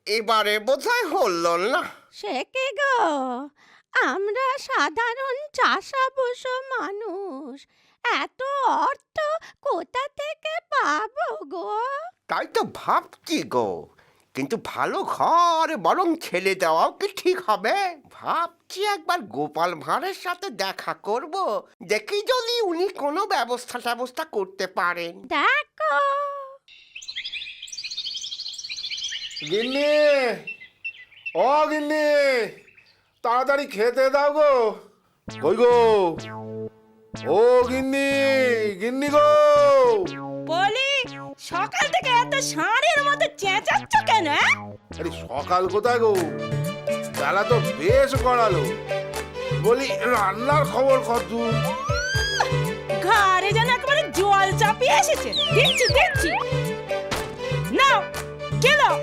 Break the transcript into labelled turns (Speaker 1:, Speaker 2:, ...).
Speaker 1: এবারে বোধহয় হলো না।
Speaker 2: সে কি গো, আমরা সাধারণ চাষাভুষ মানুষ, এত অর্থ কোথা থেকে পাবো গো?
Speaker 1: তাই তো ভাবছি গো, কিন্তু ভালো ঘর বরং ছেলে দেওয়াও কি ঠিক হবে? ভাবছি একবার গোপাল ভাঁড়ের সাথে দেখা করব, দেখি যদি উনি কোনো ব্যবস্থা করতে পারেন।
Speaker 2: দেখো
Speaker 3: গিন্নি, ও গিন্নি, তাড়াতাড়ি খেতে দাও গো। কই গো, ও গিন্নি, গিন্নি গো।
Speaker 4: বলি, সকাল থেকে এত ষাঁড়ের মতো চেঁচাচ্ছ কেন?
Speaker 3: আরে সকাল কোথায় গো, বেলা তো বেশ গড়ালো। বলি রান্নার খবর কত?
Speaker 4: ঘরে যেন একেবারে জল চাপিয়ে এসেছে। দিচ্ছি নাও, খেলো।